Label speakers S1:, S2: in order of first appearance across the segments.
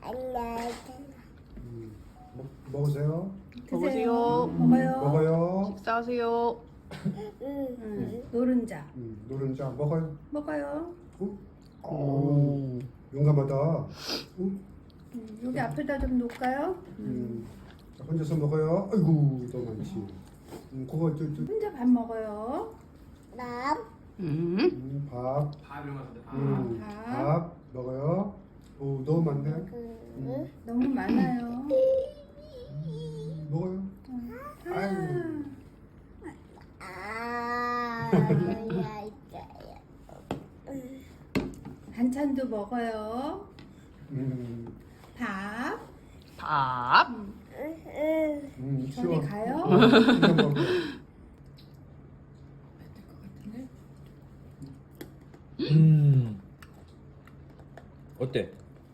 S1: 먹으세요.
S2: 드세요.
S3: 먹어요.
S1: 먹어요.
S2: 식사하세요.
S3: 노른자.
S1: 노른자 먹어요.
S3: 먹어요.
S1: 용감하다.
S3: 여기 앞에다 좀 놓을까요?
S1: 혼자서 먹어요. 아이고 더 많지. 그거
S3: 혼자 밥 먹어요.
S1: 밥.
S4: 밥 이런 거 같은데 밥.
S1: 밥 먹어요. 오 너무 많네.
S3: 너무 많아요.
S1: 먹어요. 아이고.
S3: 반찬도 먹어요. 밥.
S2: 밥.
S3: 저리 가요.
S4: 어때?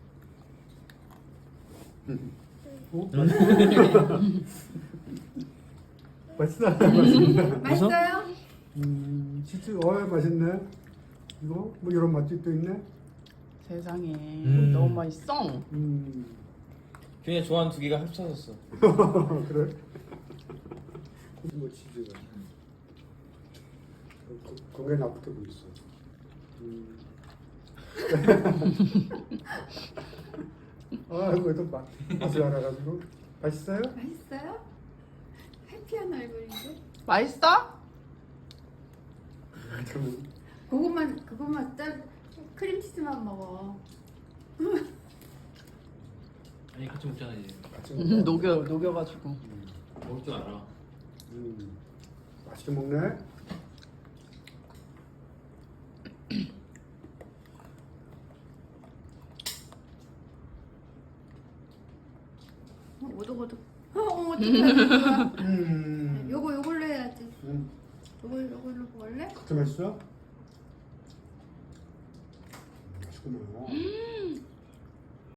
S1: 맛있다. 맛있네.
S3: 맛있어요?
S1: 치즈 맛있네. 이거 뭐 이런 맛이 또 있네.
S2: 세상에 너무 맛있어.
S4: 균이 좋아하는 두 개가 합쳐졌어.
S1: 그래? 뭐 치즈가 건강에 나쁘게 보였어. 이거 또 맛을 알아가지고 맛있어요?
S3: 맛있어요? 해피한 얼굴인데?
S2: 맛있어?
S3: 그것만 짠 크림치즈만 먹어.
S4: 아니 같이 먹잖아 이제.
S1: 같이 먹어.
S2: 녹여가지고.
S4: 먹을 줄 알아.
S1: 맛있게 먹네.
S3: 오독오독. 어떡해.
S1: 음.
S3: 요걸로 해야지. 요걸로 먹을래?
S1: 그렇게 맛있어? 맛있구나.